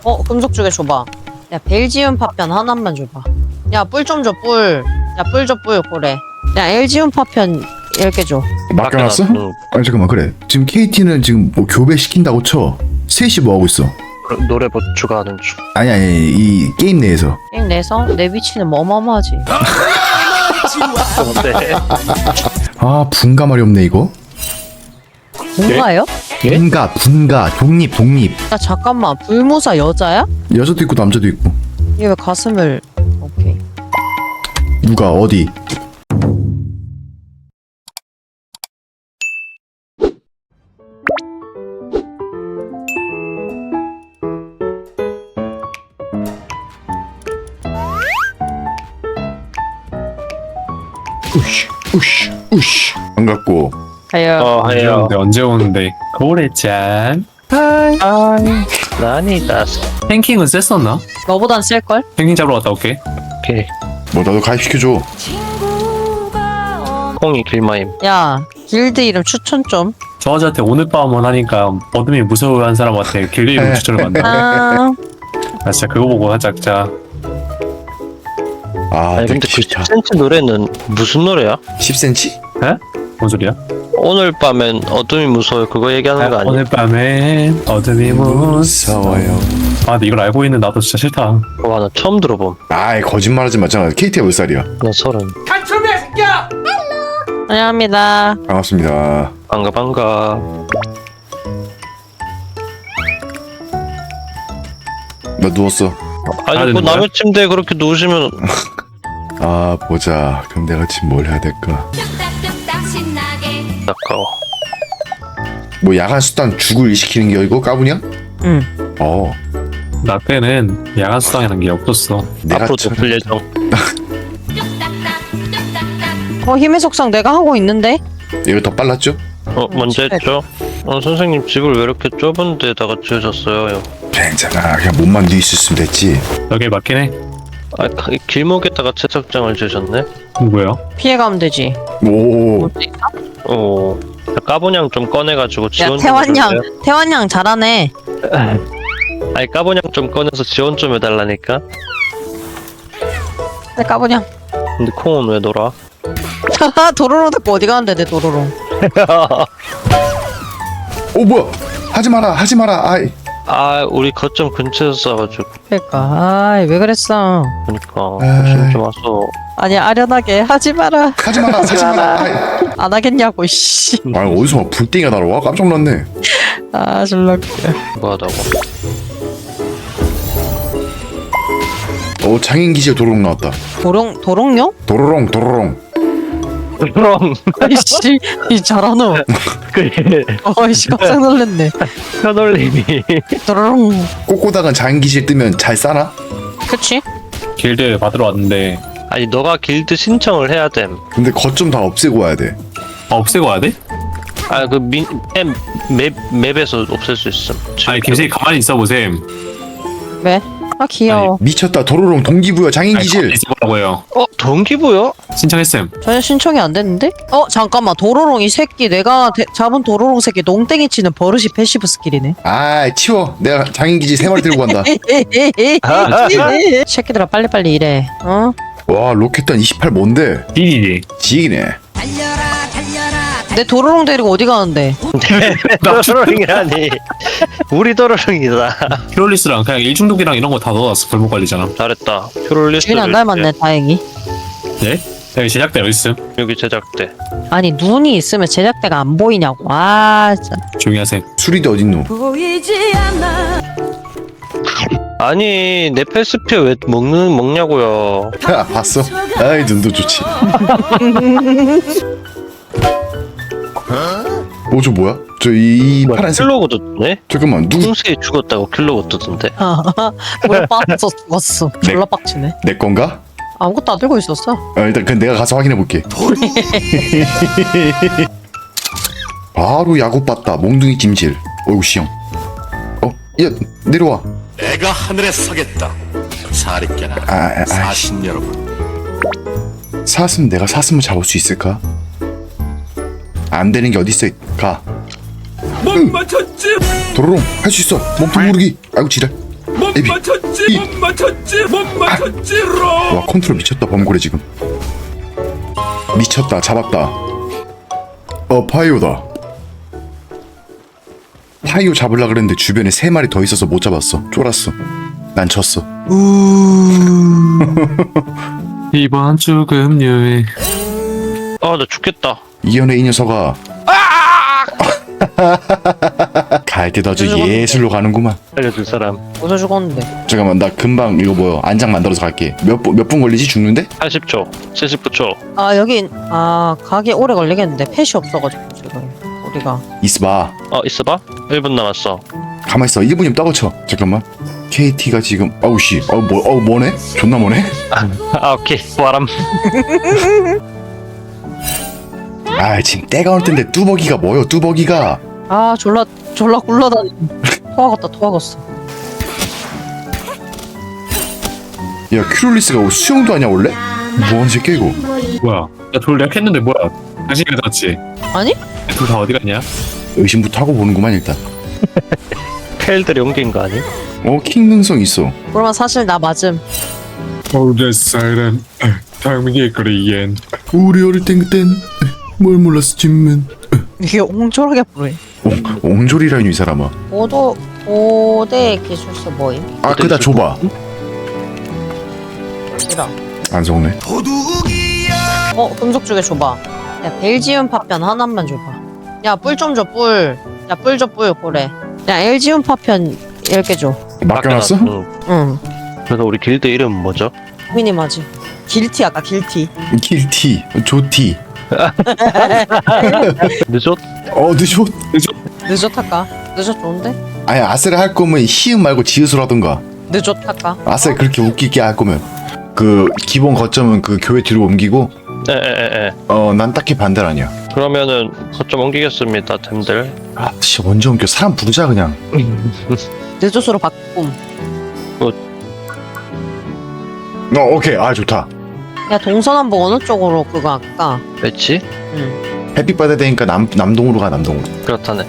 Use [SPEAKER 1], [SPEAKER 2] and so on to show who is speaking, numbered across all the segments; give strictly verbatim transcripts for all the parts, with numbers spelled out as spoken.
[SPEAKER 1] 어, 금속주개 줘봐. 야, 벨지움 파편 하나만 줘봐. 야, 뿔 좀 줘, 뿔. 야, 뿔 줘, 뿔, 그래. 야, 엘지움 파편 열 개 줘.
[SPEAKER 2] 맡겨놨어?
[SPEAKER 3] 맡겨놨어.
[SPEAKER 2] 아니 잠깐만 그래. 지금 케이티는 지금 뭐 교배 시킨다고 쳐. 셋이 뭐 하고 있어?
[SPEAKER 3] 노래 뭐 추가하는 중.
[SPEAKER 2] 아니 아니 이 게임 내에서.
[SPEAKER 1] 게임 내서 내 위치는 뭐 어마어마하지.
[SPEAKER 3] 네.
[SPEAKER 2] 아 분가 말이 없네 이거.
[SPEAKER 1] 뭔가요?
[SPEAKER 3] 예?
[SPEAKER 2] 분가 분가 독립 독립.
[SPEAKER 1] 야, 잠깐만. 불무사 여자야?
[SPEAKER 2] 여자도 있고 남자도 있고.
[SPEAKER 1] 얘 왜 가슴을... 오케이.
[SPEAKER 2] 누가 어디? 우쉬 우쉬 우쉬. 반갑고.
[SPEAKER 1] 가요.
[SPEAKER 3] 어,
[SPEAKER 4] 언제
[SPEAKER 3] 해요.
[SPEAKER 4] 오는데 언제 오는데 고래짠 하이
[SPEAKER 3] 나니다.
[SPEAKER 4] 탱킹은 셌었나?
[SPEAKER 1] 너보단 셀걸?
[SPEAKER 4] 탱킹 잡으러 갔다 올게.
[SPEAKER 3] 오케이.
[SPEAKER 2] 뭐 나도 가입시켜줘.
[SPEAKER 3] 콩이 길마임.
[SPEAKER 1] 야, 길드 이름 추천 좀.
[SPEAKER 4] 저 아저한테 오늘 밤만 하니까 어둠이 무서워하는 사람한테 길드 이름 추천을 받네.
[SPEAKER 1] 아,
[SPEAKER 4] 나 진짜 그거 보고 하자 자.
[SPEAKER 2] 아
[SPEAKER 3] 아니 근데 그
[SPEAKER 2] 듣기 싫다.
[SPEAKER 3] 십 센티 노래는 무슨 노래야?
[SPEAKER 2] 십 센티미터?
[SPEAKER 4] 뭔 소리야?
[SPEAKER 3] 오늘 밤엔 어둠이 무서워요. 그거 얘기하는 거 아니야?
[SPEAKER 4] 오늘 밤엔 어둠이 무서워.
[SPEAKER 2] 무서워요.
[SPEAKER 4] 아 근데 이걸 알고 있는 나도 진짜 싫다.
[SPEAKER 3] 와, 나 처음 들어봄.
[SPEAKER 2] 아이 거짓말하지 마잖아. 케이티가 몇 살이야?
[SPEAKER 3] 나 서른.
[SPEAKER 1] 안녕합니다.
[SPEAKER 2] 반갑습니다.
[SPEAKER 3] 반가 반가.
[SPEAKER 2] 나 누웠어.
[SPEAKER 3] 아니
[SPEAKER 4] 되는
[SPEAKER 3] 뭐
[SPEAKER 4] 거야?
[SPEAKER 3] 남의 침대에 그렇게 누우시면
[SPEAKER 2] 아 보자. 그럼 내가 지금 뭘 해야 될까?
[SPEAKER 3] 아까워.
[SPEAKER 2] 뭐 야간 수단 죽을 일시키는 게 이거 까부냐?
[SPEAKER 1] 응.
[SPEAKER 2] 어
[SPEAKER 4] 나 때는 야간 수당이라는 게 없었어.
[SPEAKER 2] 내가
[SPEAKER 3] 앞으로도
[SPEAKER 2] 참-
[SPEAKER 3] 풀 예정.
[SPEAKER 1] 어, 힘의 속성 내가 하고 있는데?
[SPEAKER 2] 이거 더 빨랐죠?
[SPEAKER 3] 어 먼저 했죠? 어 선생님 집을 왜 이렇게 좁은 데다가 지으셨어요?
[SPEAKER 2] 괜찮아. 그냥 몸만 뒤 있었으면 됐지.
[SPEAKER 4] 여기에 맞긴 해.
[SPEAKER 3] 아 가- 길목에다가 채석장을 지으셨네?
[SPEAKER 4] 누구야?
[SPEAKER 1] 피해가면 되지.
[SPEAKER 2] 오
[SPEAKER 3] 어 까보냥 좀 꺼내가지고
[SPEAKER 1] 야,
[SPEAKER 3] 지원 좀
[SPEAKER 1] 태환양.
[SPEAKER 3] 해줄래요?
[SPEAKER 1] 태환양 잘하네.
[SPEAKER 3] 아니 까보냥 좀 꺼내서 지원 좀 해달라니까.
[SPEAKER 1] 내 까보냥.
[SPEAKER 3] 근데 콩은 왜 놀아?
[SPEAKER 1] 도로로 듣고 어디 가는데, 내 도로로.
[SPEAKER 2] 오 뭐야? 하지 마라 하지 마라. 아이
[SPEAKER 3] 아 우리 거점 근처에서 싸가지고.
[SPEAKER 1] 그러니까, 아이, 왜 그랬어.
[SPEAKER 3] 그니까
[SPEAKER 2] 에이.
[SPEAKER 3] 조심 좀 와서.
[SPEAKER 1] 아니, 아련하게 하지 마라.
[SPEAKER 2] 하지 마라 하지 마라. 아이.
[SPEAKER 1] 안 하겠냐고, 씨.
[SPEAKER 2] 아니 어디서 막 불땡이가 날아와? 깜짝 놀랐네.
[SPEAKER 1] 아, 졸라 웃겨.
[SPEAKER 3] 뭐하다고.
[SPEAKER 2] 오 장인 기지에 도로롱 나왔다.
[SPEAKER 1] 도롱, 도롱요?
[SPEAKER 2] 도로롱 도로롱.
[SPEAKER 3] 그럼
[SPEAKER 1] 아이씨, 이 잘하노.
[SPEAKER 3] 그래
[SPEAKER 1] 어이씨, 깜짝 놀랐네.
[SPEAKER 3] 편올림이
[SPEAKER 1] 도롱.
[SPEAKER 2] 꼬꼬닥은 장인 기지에 뜨면 잘 싸나?
[SPEAKER 1] 그치?
[SPEAKER 4] 길드 받으러 왔는데
[SPEAKER 3] 아니 너가 길드 신청을 해야 됨.
[SPEAKER 2] 근데 거점 다 없애고 와야 돼.
[SPEAKER 4] 아, 없애고 와야 돼?
[SPEAKER 3] 아그맵 맵에서 없앨 수 있음.
[SPEAKER 4] 아니 김세희 가만히 있어 보셈.
[SPEAKER 1] 왜? 아, 귀여워.
[SPEAKER 2] 미쳤다. 도로롱 동기부여 장인
[SPEAKER 4] 아니, 가만히
[SPEAKER 2] 기질.
[SPEAKER 4] 있어보라고요.
[SPEAKER 3] 어 동기부여?
[SPEAKER 4] 신청했음.
[SPEAKER 1] 전혀 신청이 안 됐는데? 어, 잠깐만. 도로롱 이 새끼, 내가 대- 잡은 도로롱 새끼 농땡이 치는 버릇이 패시브 스킬이네.
[SPEAKER 2] 아 치워. 내가 장인 기지 세 마리 들고 간다.
[SPEAKER 1] 새끼들아, 빨리빨리 일해. 어?
[SPEAKER 2] 와 로켓단 이십팔 뭔데?
[SPEAKER 4] 딜이지.
[SPEAKER 2] 지기네.
[SPEAKER 1] 내 도로롱 데리고 어디 가는데?
[SPEAKER 3] 도로롱이라니. 우리 도로롱이다.
[SPEAKER 4] 히롤리스랑 그냥 일중독이랑 이런 거 다 넣어놨어. 골목 관리잖아.
[SPEAKER 3] 잘했다. 퓨롤리스트
[SPEAKER 1] 주인 안 닮았네, 다행히.
[SPEAKER 4] 네? 여기 제작대 어디 있음?
[SPEAKER 3] 여기 제작대.
[SPEAKER 1] 아니, 눈이 있으면 제작대가 안 보이냐고. 아, 진짜.
[SPEAKER 4] 조용히 하세요.
[SPEAKER 2] 수리대 어딨노?
[SPEAKER 3] 아니 내 패스피어 왜 먹는 먹냐고요.
[SPEAKER 2] 야 봤어? 아이 눈도 좋지. 오 저 뭐야? 저 이 파란색.
[SPEAKER 3] 킬로고 떴네?
[SPEAKER 2] 잠깐만 누구?
[SPEAKER 3] 콩새에 죽었다고 킬로고 떴던데.
[SPEAKER 1] 물 빠졌어, 죽었어. 졸라 빡치네.
[SPEAKER 2] 내 건가?
[SPEAKER 1] 아무것도 안 들고 있었어.
[SPEAKER 2] 아, 일단 그 내가 가서 확인해 볼게. 바로 야구 봤다. 몽둥이 찜질. 어이구 시영. 어? 야 내려와.
[SPEAKER 5] 내가 하늘에 서겠다. 사립견아,
[SPEAKER 2] 아, 아, 아.
[SPEAKER 5] 사신 여러분.
[SPEAKER 2] 사슴 내가 사슴을 잡을 수 있을까? 안 되는 게 어디 있어? 가. 못 맞췄지. 도로롱 할 수 있어. 몸통 모르기. 아이고 지랄.
[SPEAKER 5] 못
[SPEAKER 2] 에비.
[SPEAKER 5] 맞췄지
[SPEAKER 2] 이.
[SPEAKER 5] 못 맞췄지 못 맞췄지로.
[SPEAKER 2] 와 컨트롤 미쳤다 범고래 지금. 미쳤다 잡았다. 어 파이오다. 파이오 잡으려 그랬는데 주변에 세 마리 더 있어서 못 잡았어. 쫄았어. 난 졌어.
[SPEAKER 4] 이번 주 금요일.
[SPEAKER 3] 아, 나 죽겠다.
[SPEAKER 2] 이연의 이 녀석아. 갈 때 아주 예술로 가는구만.
[SPEAKER 3] 알려줄 사람.
[SPEAKER 1] 어디서 죽었는데?
[SPEAKER 2] 잠깐만 나 금방 이거 뭐야 안장 만들어서 갈게. 몇몇 분 걸리지 죽는데?
[SPEAKER 3] 팔십 초, 칠십구 초.
[SPEAKER 1] 아 여기 아 가게 오래 걸리겠는데 펫이 없어가지고 지금 우리가.
[SPEAKER 2] 있어봐.
[SPEAKER 3] 어, 있어봐. 일 분 남았어.
[SPEAKER 2] 가만 있어. 일 분이면 떠거쳐. 잠깐만. 케이티가 지금 아우 씨. 아우 뭐 아우 뭐네? 존나 뭐네?
[SPEAKER 3] 아, 오케이. 바람.
[SPEAKER 2] 아 지금 때가 올 텐데 뚜벅이가 뭐요? 뚜벅이가.
[SPEAKER 1] 아 졸라 졸라 굴러다니. 토하겠다 토하겠어.
[SPEAKER 2] 야 큐롤리스가 수영도 하냐 원래? 뭐하는 새끼야 이거?
[SPEAKER 4] 뭐야? 나 돌 내가 했는데 뭐야? 당신이 들었지?
[SPEAKER 1] 아니?
[SPEAKER 4] 둘 다 어디 갔냐?
[SPEAKER 2] 의심부터 하고 보는구만 일단.
[SPEAKER 3] 펠들이 옮긴 거 아니?
[SPEAKER 2] 어 킹 능성 있어.
[SPEAKER 1] 그러면 사실 나 맞음.
[SPEAKER 4] 어제 사이렌 당민이 그리엔.
[SPEAKER 2] 우리 어릴 땐 그땐 뭘 몰랐었지만.
[SPEAKER 1] 이게 옹졸하게 부르해.
[SPEAKER 2] 옹, 옹졸이라니 이 사람아.
[SPEAKER 1] 오도 오대 기술서 뭐임?
[SPEAKER 2] 아 그다 줘봐.
[SPEAKER 1] 싫어.
[SPEAKER 2] 안 속네.
[SPEAKER 1] 어 금속 쪽에 줘봐. 야 벨지움 파편 하나만 줘봐. 야 뿔 좀 줘 뿔. 야 뿔 줘 뿔 그래. 야 엘지움 파편 열 개 줘.
[SPEAKER 2] 맡겨놨어?
[SPEAKER 3] 응.
[SPEAKER 1] 응.
[SPEAKER 3] 그래서 우리 길드 이름 뭐죠?
[SPEAKER 1] 미니마지. 길티 아까 길티.
[SPEAKER 2] 길티, 조티.
[SPEAKER 3] 늦었?
[SPEAKER 2] 어 늦어.
[SPEAKER 1] 늦었 할까? 늦었 좋은데?
[SPEAKER 2] 아니 아세를 할 거면 시음 말고 지읒을 하던가.
[SPEAKER 1] 늦었 할까?
[SPEAKER 2] 아세 그렇게 웃기게 할 거면 그 기본 거점은 그 교회 뒤로 옮기고.
[SPEAKER 3] 에에에에.
[SPEAKER 2] 어 난 딱히 반대 아니야.
[SPEAKER 3] 그러면은 거점 옮기겠습니다, 템들.
[SPEAKER 2] 아 씨 언제 옮겨? 사람 부르자 그냥.
[SPEAKER 1] 늦었으로 바꿈.
[SPEAKER 2] 어 오케이 아 좋다.
[SPEAKER 1] 야 동서남북 어느 쪽으로 그거 할까?
[SPEAKER 3] 매치?
[SPEAKER 1] 응.
[SPEAKER 2] 햇빛 받아야 되니까 남 남동으로 가 남동으로.
[SPEAKER 3] 그렇다네.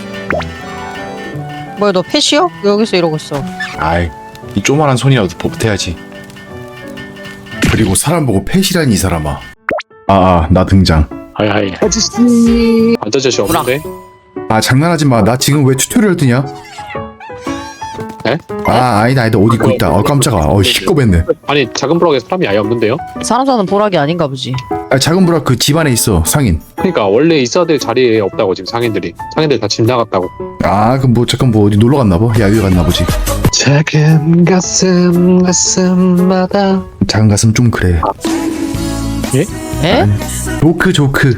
[SPEAKER 1] 뭐야 너 펫이요? 여기서 이러고 있어.
[SPEAKER 2] 아이 이 조만한 손이라도 버텨야지. 그리고 사람 보고 펫이라니 이 사람아. 아아 나 등장.
[SPEAKER 6] 하이하이 아저씨 아저씨 없는데?
[SPEAKER 2] 아 장난하지 마. 나 지금 왜 튜토리얼 뜨냐?
[SPEAKER 6] 에?
[SPEAKER 2] 아 아니다 아니다 옷 입고 있다. 어 깜짝아. 어 시꺼맸네.
[SPEAKER 6] 아니 작은 블럭에 사람이 아예 없는데요?
[SPEAKER 1] 사람 사는 보라기 아닌가 보지.
[SPEAKER 2] 아 작은 브라 그 집안에 있어 상인.
[SPEAKER 6] 그러니까 원래 있어야 될 자리에 없다고 지금 상인들이 상인들 다 집 나갔다고.
[SPEAKER 2] 아 그럼 뭐 잠깐 뭐 어디 놀러 갔나 봐. 야유회 갔나 보지.
[SPEAKER 6] 작은 가슴 가슴마다
[SPEAKER 2] 작은 가슴 좀 그래.
[SPEAKER 1] 에?
[SPEAKER 2] 조크 조크.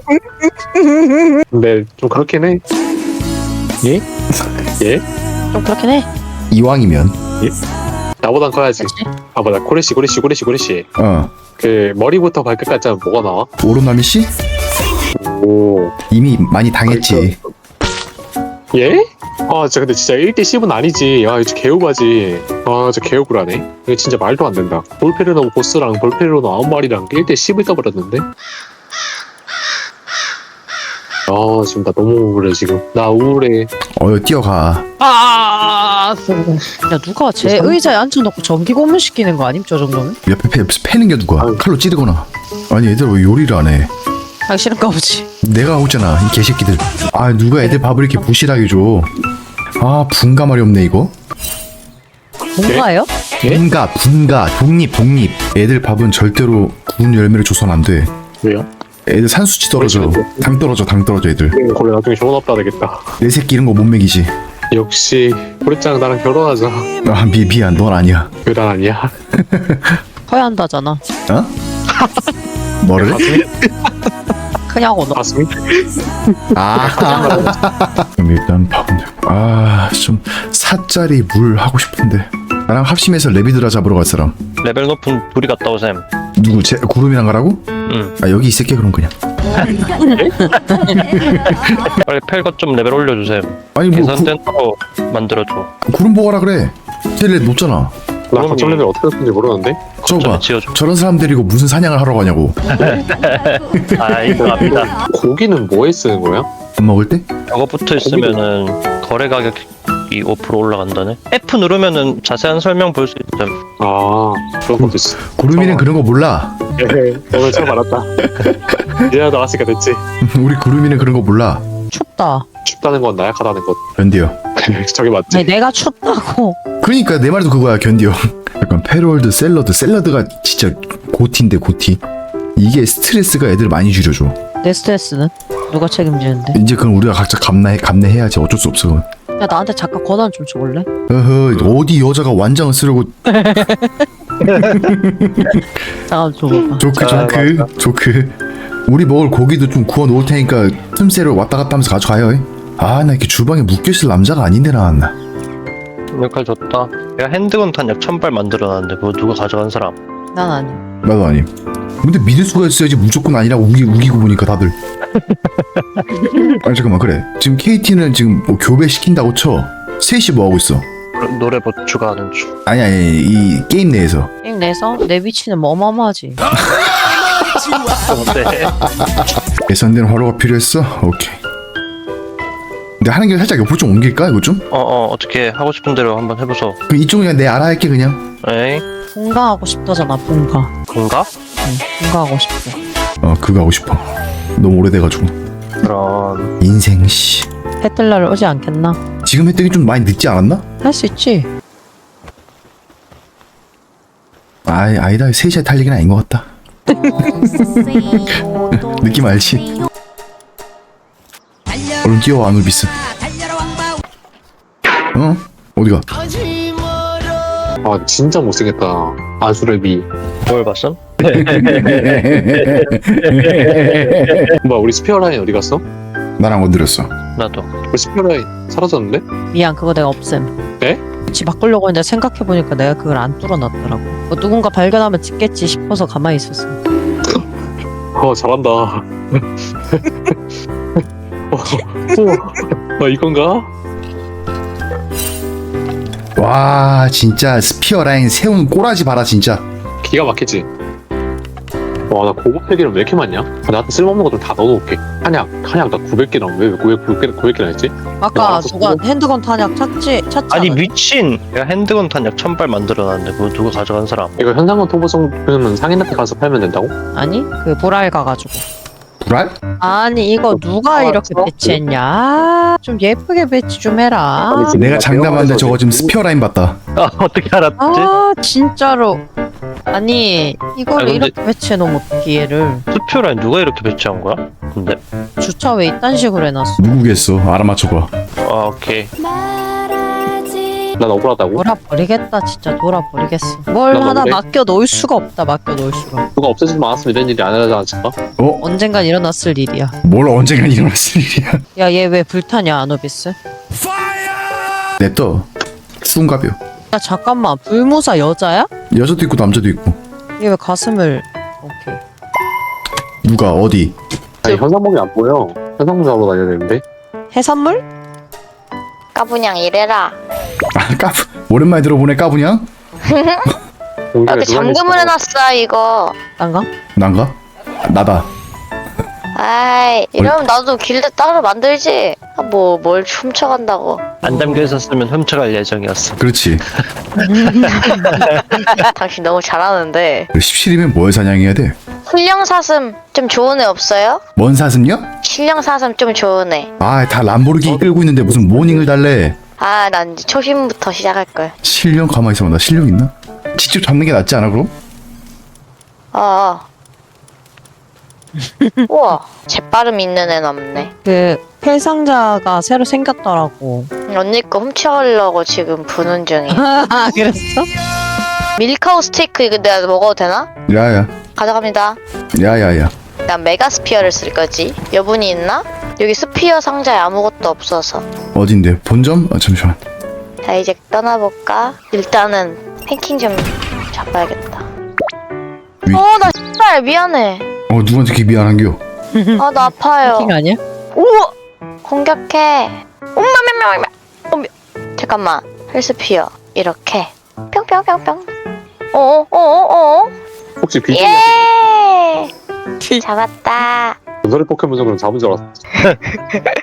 [SPEAKER 6] 근데 좀 그렇긴 해. 예? 예?
[SPEAKER 1] 좀 그렇긴 해.
[SPEAKER 2] 이왕이면
[SPEAKER 6] 나보단 커야지. 봐봐 나 고래씨 고래씨 고래씨 고래씨
[SPEAKER 2] 어
[SPEAKER 6] 그 머리부터 발끝까지 하면 뭐가 나와?
[SPEAKER 2] 오로나미 씨
[SPEAKER 6] 오
[SPEAKER 2] 이미 많이 당했지.
[SPEAKER 6] 예? 아 진짜 근데 진짜 일 대 십은 아니지. 아 이거 개우가지. 아 진짜 개우구라네. 이거 진짜 말도 안 된다. 볼페르노 보스랑 볼페르노 아홉 마리랑 일 대 십을 떠버렸는데? 아 지금 나 너무 우울해 지금. 나 우울해.
[SPEAKER 2] 어여 뛰어가.
[SPEAKER 1] 아, 야 누가 제 의자에 앉혀놓고 전기 고문 시키는 거 아님? 저 정도면?
[SPEAKER 2] 옆에 패, 패는 게 누구야?
[SPEAKER 6] 아유.
[SPEAKER 2] 칼로 찌르거나. 아니 애들 왜 요리를 안 해?
[SPEAKER 1] 하기 싫은가 보지.
[SPEAKER 2] 내가 하고 있잖아 이 개새끼들. 아 누가 애들 밥을 이렇게 부실하게 줘. 아 분가말이 없네 이거.
[SPEAKER 1] 뭔가요?
[SPEAKER 6] 예?
[SPEAKER 2] 분가 분가 독립 독립. 애들 밥은 절대로 구운 열매를 줘선 안 돼.
[SPEAKER 6] 왜요?
[SPEAKER 2] 애들 산수치 떨어져. 당 떨어져 당 떨어져 애들.
[SPEAKER 6] 그래 나중에 좋은 아빠 되겠다.
[SPEAKER 2] 내 새끼 이런 거 못 먹이지.
[SPEAKER 6] 역시 고래짱 나랑 결혼하자.
[SPEAKER 2] 아 미, 미안 넌 아니야.
[SPEAKER 6] 왜 난 아니야?
[SPEAKER 1] 커야 한다잖아.
[SPEAKER 2] 어? 뭐를?
[SPEAKER 1] 크냐고 너.
[SPEAKER 6] 가슴이?
[SPEAKER 2] 아 그럼 일단 밥은 아좀 사짜리 물 하고 싶은데. 나랑 합심해서 레비드라 잡으러 갈 사람
[SPEAKER 3] 레벨 높은 둘이 갔다 오셈.
[SPEAKER 2] 누구? 제 구름이랑 가라고?
[SPEAKER 3] 응.
[SPEAKER 2] 아 여기 있을게 그럼 그냥.
[SPEAKER 3] 빨리 펠것 좀 레벨 올려주셈.
[SPEAKER 2] 아니 뭐 구,
[SPEAKER 3] 계산된 거로 만들어줘.
[SPEAKER 2] 구름 보고 가라 그래. 텔레 높잖아.
[SPEAKER 6] 나 거점 레벨 어떻게 됐는지 모르는데?
[SPEAKER 2] 저거 봐.
[SPEAKER 3] 지어줘.
[SPEAKER 2] 저런 사람 데리고 무슨 사냥을 하러 가냐고.
[SPEAKER 3] 아, 이거 압니다.
[SPEAKER 6] 고기는 뭐에 쓰는 거야?
[SPEAKER 2] 밥 먹을 때?
[SPEAKER 3] 저거 붙어 있으면은 거래 가격 능력이 오 퍼센트 올라간다네. F 누르면은 자세한 설명 볼 수 있음.
[SPEAKER 6] 아 그런 것도 있어.
[SPEAKER 2] 구름이는 그런 거 몰라.
[SPEAKER 6] 예, 오늘 처음 알았다. 이제 나왔으니까 됐지.
[SPEAKER 2] 우리 구름이는 그런 거 몰라.
[SPEAKER 1] 춥다.
[SPEAKER 6] 춥다는 건 나약하다는 것.
[SPEAKER 2] 견디요.
[SPEAKER 6] 저게 맞지?
[SPEAKER 1] 아니 내가 춥다고.
[SPEAKER 2] 그러니까 내 말도 그거야, 견디요. 약간 패롤드 샐러드 샐러드가 진짜 고티인데 고티. 이게 스트레스가 애들 많이 줄여줘.
[SPEAKER 1] 내 스트레스는 누가 책임지는데?
[SPEAKER 2] 이제 그건 우리가 각자 감내 감내해야지. 어쩔 수 없어.
[SPEAKER 1] 야 나한테 잠깐 권한 좀 줘볼래?
[SPEAKER 2] 어허, 어디 여자가 완장을 쓰려고.
[SPEAKER 1] 잠깐 줘봐봐.
[SPEAKER 2] 조크 조크 조크. 우리 먹을 고기도 좀 구워 놓을 테니까 틈새로 왔다 갔다 하면서 가져가요. 아, 나 이렇게 주방에 묶여있을 남자가 아닌데 나왔나.
[SPEAKER 3] 역할 좋다. 내가 핸드건 탄약 천 발 만들어놨는데 그거 누가 가져간 사람?
[SPEAKER 1] 난 아니.
[SPEAKER 2] 나도 아님. 근데 믿을 수가 있어야지. 무조건 아니라고 우기, 우기고 보니까 다들. 아니 잠깐만, 그래 지금 케이티는 지금 뭐 교배 시킨다고 쳐. 셋이 뭐 하고 있어?
[SPEAKER 3] 노래 뭐 추가하는 중.
[SPEAKER 2] 아니 아니 이 게임 내에서.
[SPEAKER 1] 게임 내서 내 위치는 뭐 어마어마하지.
[SPEAKER 3] 네.
[SPEAKER 2] 예산된 화로가 필요했어? 오케이. 근데 하는 게 살짝 옆으로 좀 옮길까 이거 좀?
[SPEAKER 3] 어어 어떻게 하고 싶은 대로 한번 해보소.
[SPEAKER 2] 그럼 이쪽은 그냥 내 알아 할게 그냥.
[SPEAKER 3] 에이
[SPEAKER 1] 분가하고 싶다잖아 분가.
[SPEAKER 3] 군가?
[SPEAKER 1] 응, 분가하고 싶어.
[SPEAKER 2] 어 그거 하고 싶어. 너무 오래돼가지고.
[SPEAKER 3] 그런
[SPEAKER 2] 인생 씨.
[SPEAKER 1] 해뜰 오지 않겠나?
[SPEAKER 2] 지금 혜택이 좀 많이 늦지 않았나?
[SPEAKER 1] 할 수 있지.
[SPEAKER 2] 아이 아니다. 셋이 탈 얘기는 아닌 것 같다. 느낌 알지? 얼른 뛰어와 아누비스. 어? 어디가?
[SPEAKER 6] 아 진짜 못생겼다. 아수레비.
[SPEAKER 3] 뭘 봤음?
[SPEAKER 6] 뭐야 우리 스페어 라인 어디 갔어?
[SPEAKER 2] 나랑 건드렸어.
[SPEAKER 3] 나도.
[SPEAKER 6] 우리 스페어 라인 사라졌는데?
[SPEAKER 1] 미안 그거 내가 없앰.
[SPEAKER 6] 네?
[SPEAKER 1] 위치 바꾸려고 했는데 생각해보니까 내가 그걸 안 뚫어놨더라고. 뭐 누군가 발견하면 찍겠지 싶어서 가만히 있었어.
[SPEAKER 6] 어 잘한다. 어, 어, 어 이건가?
[SPEAKER 2] 와 진짜 스피어 라인 세운 꼬라지 봐라 진짜.
[SPEAKER 6] 기가 막히지. 와 나 고급 팩이랑 왜 이렇게 많냐? 아, 나한테 쓸모없는 것들 다 넣어놓을게. 한약 한약 나 구백 개랑 왜 구백 개 구백 개나 했지?
[SPEAKER 1] 아까
[SPEAKER 6] 야,
[SPEAKER 1] 누가
[SPEAKER 6] 그거-
[SPEAKER 1] 핸드건 탄약 찾지? 찾지
[SPEAKER 3] 아니
[SPEAKER 1] 않았냐?
[SPEAKER 3] 미친. 내가 핸드건 탄약 천 발 만들어놨는데 그거 누가 가져간 사람?
[SPEAKER 6] 이거 현상금 토보성은 상인한테 가서 팔면 된다고?
[SPEAKER 1] 아니 그 보랄 가가지고.
[SPEAKER 2] 불알?
[SPEAKER 1] 아니 이거 누가
[SPEAKER 6] 아,
[SPEAKER 1] 이렇게
[SPEAKER 6] 어?
[SPEAKER 1] 배치했냐? 아, 좀 예쁘게 배치 좀 해라.
[SPEAKER 6] 아니, 지금
[SPEAKER 2] 내가 장담하는데 저거 지금 스피어 라인 봤다.
[SPEAKER 3] 아 어떻게 알았지?
[SPEAKER 1] 아 진짜로. 아니 이걸
[SPEAKER 3] 아, 근데-
[SPEAKER 1] 이렇게 배치해놓으면 어떻게 얘를.
[SPEAKER 3] 수표라인 누가 이렇게 배치한 거야? 근데
[SPEAKER 1] 주차 왜 이딴 식으로 해놨어?
[SPEAKER 2] 누구겠어? 알아맞혀봐.
[SPEAKER 3] 아 오케이.
[SPEAKER 6] 난 억울하다고?
[SPEAKER 1] 돌아버리겠다 진짜 돌아버리겠어. 뭘
[SPEAKER 6] 난
[SPEAKER 1] 하나
[SPEAKER 6] 억울해?
[SPEAKER 1] 맡겨 놓을 수가 없다 맡겨 놓을 수가.
[SPEAKER 6] 누가 없애지도 않았으면 이런 일이 안 일어나지 않았을까?
[SPEAKER 2] 어?
[SPEAKER 1] 언젠간 일어났을 일이야.
[SPEAKER 2] 뭘 언젠간 일어났을 일이야.
[SPEAKER 1] 야 얘 왜 불타냐 아노비스?
[SPEAKER 2] 냅둬. 수은가벼.
[SPEAKER 1] 야 잠깐만 불무사 여자야?
[SPEAKER 2] 여자도 있고 남자도 있고.
[SPEAKER 1] 얘 왜 가슴을. 오케이.
[SPEAKER 2] 누가 어디?
[SPEAKER 6] 아니 현상봉이 안 보여. 현상봉 잡으러 다녀야 되는데.
[SPEAKER 1] 해산물?
[SPEAKER 7] 까부냥 이래라.
[SPEAKER 2] 아 까부. 오랜만에 들어보네 까부냥.
[SPEAKER 6] 공중에
[SPEAKER 7] 여기
[SPEAKER 6] 누가
[SPEAKER 7] 잠금을
[SPEAKER 6] 있어?
[SPEAKER 7] 해놨어 이거.
[SPEAKER 1] 딴가?
[SPEAKER 2] 난가? 나다.
[SPEAKER 7] 아이 이러면 나도 길드 따로 만들지. 아, 뭐 뭘 훔쳐간다고.
[SPEAKER 3] 안 담겨 있었으면 훔쳐갈 예정이었어.
[SPEAKER 2] 그렇지.
[SPEAKER 7] 당신 너무 잘하는데.
[SPEAKER 2] 십칠이면 뭘 사냥해야 돼?
[SPEAKER 7] 신령 사슴 좀 좋은 애 없어요?
[SPEAKER 2] 뭔 사슴요?
[SPEAKER 7] 신령 사슴 좀 좋은 애.
[SPEAKER 2] 아 다 람보르기니 끌고 있는데 무슨 모닝을 달래.
[SPEAKER 7] 아 난 이제 초심부터 시작할 걸.
[SPEAKER 2] 실력 가만히 있어봐. 나 실력 있나? 직접 잡는 게 낫지 않아 그럼?
[SPEAKER 7] 어. 우와 재빠름 있는 애는 없네.
[SPEAKER 1] 그 펠상자가 새로 생겼더라고.
[SPEAKER 7] 언니 거 훔쳐가려고 지금 부는 중이야.
[SPEAKER 1] 아 그랬어?
[SPEAKER 7] 밀카우 스테이크 이거 내가 먹어도 되나?
[SPEAKER 2] 야야.
[SPEAKER 7] 가져갑니다.
[SPEAKER 2] 야야야.
[SPEAKER 7] 난 메가 스피어를 쓸 거지. 여분이 있나? 여기 스피어 상자에 아무것도 없어서.
[SPEAKER 2] 어딘데? 본점? 아 잠시만.
[SPEAKER 7] 자 이제 떠나볼까? 일단은 팽킹 좀 잡아야겠다.
[SPEAKER 2] 위-
[SPEAKER 7] 어나 씨발 미안해.
[SPEAKER 2] 어 누구한테 이렇게 미안한겨?
[SPEAKER 7] 아 나 아파요.
[SPEAKER 1] 킹 아니야?
[SPEAKER 7] 우와 공격해. 엄마мямя며. 어, 잠깐만 헬스피어 이렇게 뿅뿅뿅뿅. 어어어어
[SPEAKER 6] 혹시 비중이
[SPEAKER 7] 예. 잡았다.
[SPEAKER 6] 전설의 포켓몬 정도는 잡은 줄 알았어.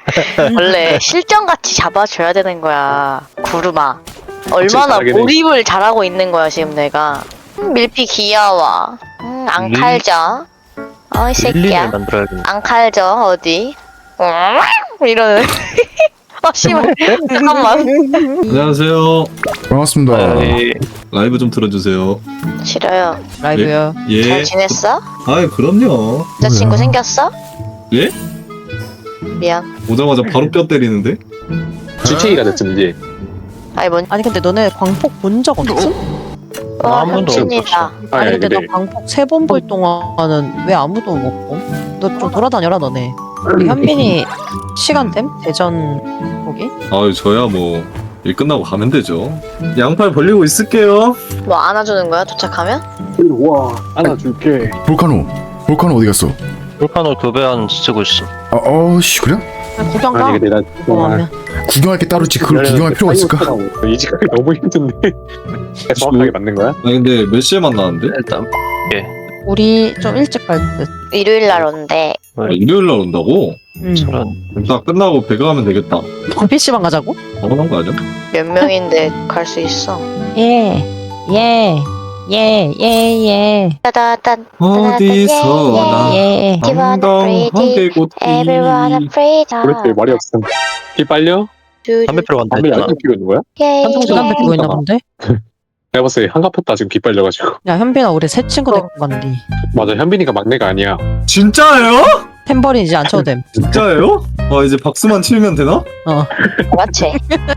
[SPEAKER 7] 원래 실전같이 잡아줘야 되는 거야. 구름아. 얼마나
[SPEAKER 6] 잘하긴 해.
[SPEAKER 7] 몰입을 잘하고 있는 거야 지금 내가. 음, 밀피 귀여워. 음, 안
[SPEAKER 3] 릴-
[SPEAKER 7] 칼져. 어이 새끼야.
[SPEAKER 3] 릴린을 만들어야겠네.
[SPEAKER 7] 안 칼져 어디? 음, 이러는. 아 씨발. 잠깐만.
[SPEAKER 8] 안녕하세요.
[SPEAKER 2] 반갑습니다.
[SPEAKER 3] 아이,
[SPEAKER 8] 라이브 좀 틀어주세요.
[SPEAKER 7] 싫어요.
[SPEAKER 1] 라이브요.
[SPEAKER 8] 예.
[SPEAKER 7] 잘 지냈어?
[SPEAKER 8] 아, 그럼요.
[SPEAKER 7] 여자친구
[SPEAKER 2] 뭐야?
[SPEAKER 7] 생겼어?
[SPEAKER 8] 예?
[SPEAKER 7] 미안.
[SPEAKER 8] 오자마자 바로 뼈 때리는데?
[SPEAKER 6] 주체기가 됐음 이제.
[SPEAKER 7] 아니 뭔?
[SPEAKER 1] 아니 근데 너네 광폭 본 적 없음?
[SPEAKER 7] 와
[SPEAKER 3] 아무도
[SPEAKER 7] 현진이다.
[SPEAKER 6] 아니
[SPEAKER 1] 아니
[SPEAKER 6] 아니
[SPEAKER 1] 근데
[SPEAKER 6] 근데
[SPEAKER 1] 나 광폭 세 번 볼 동안은 왜 아무도 못 봄? 너 좀 돌아다녀라 너네. 우리 현빈이 시간 됨? 대전 거기?
[SPEAKER 8] 아유, 저야 뭐, 일 끝나고 가면 되죠. 양팔 벌리고 있을게요.
[SPEAKER 7] 뭐 안아주는 거야 도착하면?
[SPEAKER 6] 와 안아줄게.
[SPEAKER 2] 볼카노. 볼카노 어디 갔어?
[SPEAKER 3] 볼카노 교배한 쓰고 있어.
[SPEAKER 2] 아, 어씨 그래?
[SPEAKER 1] 그냥 구경 가.
[SPEAKER 6] 아니 근데 나
[SPEAKER 1] 궁금하면.
[SPEAKER 2] 구경할 게 따로 있지. 그걸 구경할 필요가 있을까?
[SPEAKER 6] 이직하기 너무 힘든데. 정확하게 맞는 거야?
[SPEAKER 8] 아, 근데 몇 시에 만나는데?
[SPEAKER 3] 일단
[SPEAKER 1] 우리 좀 일찍 갈 듯.
[SPEAKER 7] 일요일 날 온대.
[SPEAKER 8] 아, 일요일 날 온다고?
[SPEAKER 1] 응.
[SPEAKER 3] 저런
[SPEAKER 8] 딱 끝나고 배가 가면 되겠다.
[SPEAKER 1] 피씨방 가자고?
[SPEAKER 8] 당연한 거 아니야?
[SPEAKER 7] 몇 명인데 갈 수 있어.
[SPEAKER 1] 예. 예. 예. 예. 예.
[SPEAKER 7] 따다단.
[SPEAKER 8] 어디서나
[SPEAKER 1] 예.
[SPEAKER 8] 한강하게 곳이
[SPEAKER 7] Everyone a freedom.
[SPEAKER 6] 그렇지 말이 없음. 이 빨려?
[SPEAKER 3] 담배 피러 간다
[SPEAKER 6] 담배
[SPEAKER 3] 했잖아.
[SPEAKER 6] 아직도 피고 있는 거야?
[SPEAKER 7] 예.
[SPEAKER 6] 한동훈
[SPEAKER 1] 부담 느끼고 있나 본데?
[SPEAKER 6] 내가 봤을 때 한가 폈다 지금 기 빨려가지고.
[SPEAKER 1] 야 현빈아 우리 새 친구 데리고 간디.
[SPEAKER 6] 맞아 현빈이가 막내가 아니야.
[SPEAKER 8] 진짜예요?
[SPEAKER 1] 템버린 이제 안 쳐도 됨.
[SPEAKER 8] 진짜예요? 아, 이제 박수만 치면 되나?
[SPEAKER 1] 어.
[SPEAKER 7] 맞지?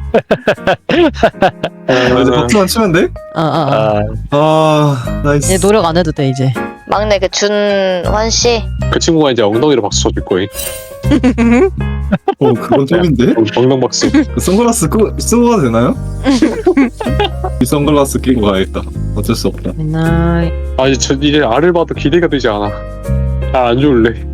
[SPEAKER 8] 아, 이제 박수만 치면 돼?
[SPEAKER 1] 어, 어, 어.
[SPEAKER 3] 아,
[SPEAKER 8] 아, 나이스.
[SPEAKER 1] 이제 노력 안 해도 돼 이제.
[SPEAKER 7] 막내 그 준환 씨.
[SPEAKER 6] 그 친구가 이제 엉덩이로 박수 쳐줄 거임.
[SPEAKER 8] 어, 그건 톱인데?
[SPEAKER 6] 엉덩 박수.
[SPEAKER 8] 그 선글라스 끄, 쓰고 가도 되나요? 이 선글라스 끼고 가야겠다. 어쩔 수 없다.
[SPEAKER 1] 맨날
[SPEAKER 6] 아 이제 저 이제 알을 봐도 기대가 되지 않아. 아 안 좋을래.